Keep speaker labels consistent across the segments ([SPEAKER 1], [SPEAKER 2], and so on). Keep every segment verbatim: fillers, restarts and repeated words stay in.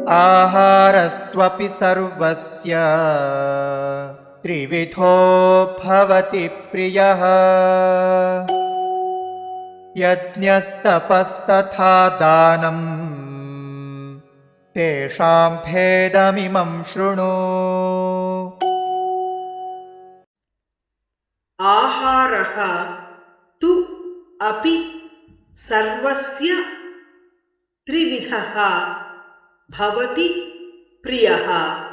[SPEAKER 1] आहारस्त्वपि सर्वस्य त्रिविधो भवति प्रियः यज्ञस्तपस्तथा दानं तेषां भेदमिमं शृणु।
[SPEAKER 2] आहारः तु अपि सर्वस्य त्रिविधः भवति प्रियः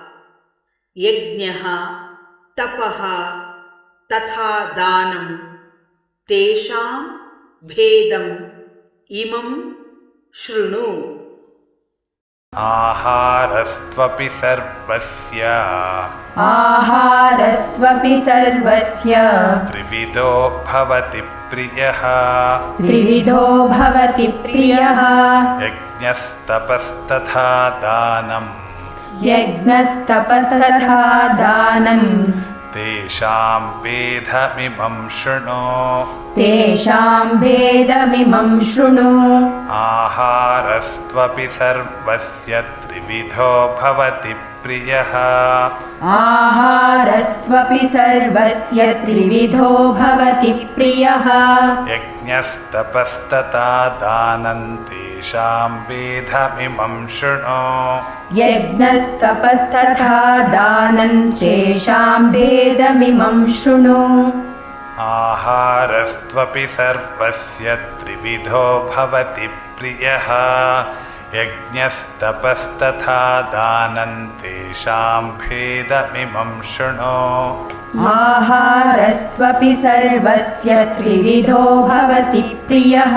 [SPEAKER 2] यज्ञः तपः तथा दानं तेषां भेदम् इमं शृणु।
[SPEAKER 3] आहारस्त्वपि सर्वस्य
[SPEAKER 4] आहारस्त्वपि सर्वस्य
[SPEAKER 3] त्रिविधो भवति प्रियः
[SPEAKER 4] त्रिविधो भवति प्रियः
[SPEAKER 3] यज्ञस्तपस्तथा दानं
[SPEAKER 4] यज्ञस्तपस्तथा दानं
[SPEAKER 3] तेषां भेदमिमं शृणु।
[SPEAKER 4] तेषां भेदमिमं शृणु।
[SPEAKER 3] आहारस्त्वपि सर्वस्य त्रिविधो भवति प्रियः
[SPEAKER 4] आहारस्त्वपि सर्वस्य त्रिविधो भवति प्रियः
[SPEAKER 3] यज्ञस्तपस्तथा दानं तेषां भेदमिमं शृणु।
[SPEAKER 4] यज्ञस्तपस्तथा दानं तेषां भेदमिमं शृणु।
[SPEAKER 3] आहारस्त्वपि सर्वस्य त्रिविधो भवति प्रियः यज्ञस्तपस्तथा दानं तेषां भेदमिमं शृणु।
[SPEAKER 4] आहारस्त्वपि सर्वस्य त्रिविधो भवति प्रियः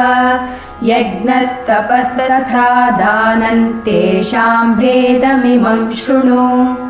[SPEAKER 4] यज्ञस्तपस्तथा दानं तेषां भेदमिमं शृणु।